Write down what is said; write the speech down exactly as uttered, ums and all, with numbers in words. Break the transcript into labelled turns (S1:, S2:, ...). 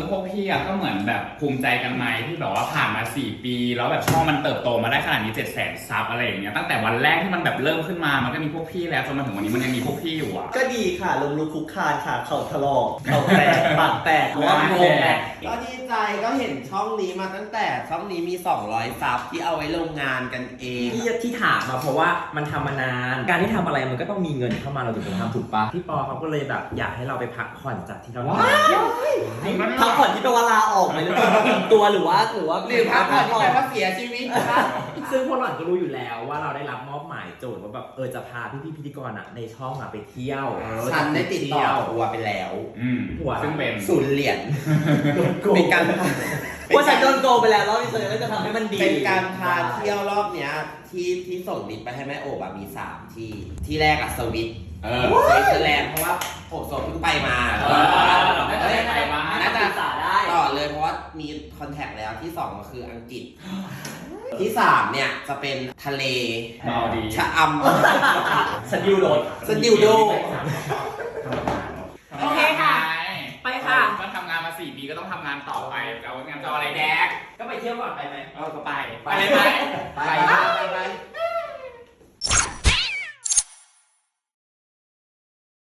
S1: พวกพี่อะก็เหมือนแบบภูมิใจกันไหมที่แบบว่าผ่านมาสี่ปีแล้วแบบช่องมันเติบโตมาได้ขนาดนี้เจ็ดแสนซับอะไรอย่างเงี้ยตั้งแต่วันแรกที่มันแบบเริ่มขึ้นมามันก็มีพวกพี่แล้วจนมาถึงวันนี้มันยังมีพวกพี่อยู่อะ
S2: ก็ดีค่ะลงลุกคุกคานค่ะเข่าถลอกเข่าแตกปากแตกว่าโงง
S3: ก็ดีใจก็เห็นช่องนี้มาตั้งแต่ช่องนี้มีสองร้อยซับที่เอาไว้ลงงานกันเอง
S4: ที่ที่ถามมาเพราะว่ามันทำมานาน การที่ทำอะไรมันก็ต้องมีเงินเข้ามาเราถึงจะทำถูกปะพี่ปอเขาก็เลยแบบอยากให้เราไปพักผ่อนจากที่เราทำ
S2: พักผ่อนที่แปลว่าลาออกไปหรือเปล่าอิ่มตัวหรือว่าหรือว่า
S3: หรือพักผ่อนที่แปลว่าเสียชีวิตครับ
S4: ซึ่งพวกหล่อนก็รู้อยู่แล้วว่าเราได้รับมอบหมายโจทย์ว่าแบบเออจะพาพี่ๆพิธีกรอ่ะในช่องอ่ะไปเที่ยว
S3: ฉันได้ติดต่อทัวร์ไปแล้ว
S1: อืม
S4: หัว
S1: ซึ่งเป็น
S3: ศูนย์เหรียญเป็นการ
S2: เพราะฉันโดนโกงไปแล้วรอบนี้ฉันก็จะทำให้มันดี
S3: เป็นการพาเที่ยวรอบเนี้ยที่ที่ส่งลิสต์ไปให้แม่โอบอะมีสามที่ที่แรกอะสวิต
S1: เออ
S3: สวิตเซอร์แลนด์เพราะว่าโอบโซเพิ่งไปมา
S1: เออน่าจะได้ไปมา
S3: น่าจะ
S2: ศึกษาได้
S3: ต่อเลยเพราะว่ามีคอนแทคแล้วที่สองก็คืออังกฤษ ที่สามเนี่ยจะเป็นทะเล
S1: เมาดี
S3: ชะอำ
S2: สดิวโดด
S3: สดิวโด
S4: โอเคค่ะ ไปค่ะ
S1: ก็ทำงานมาสี่ปีก็ต้องทำงานต่อไปเอางานจะเอาอะไรแดก
S4: ก็ไปเที่ยวก่อนไปไหม
S1: เออก็ไปไปเลยไป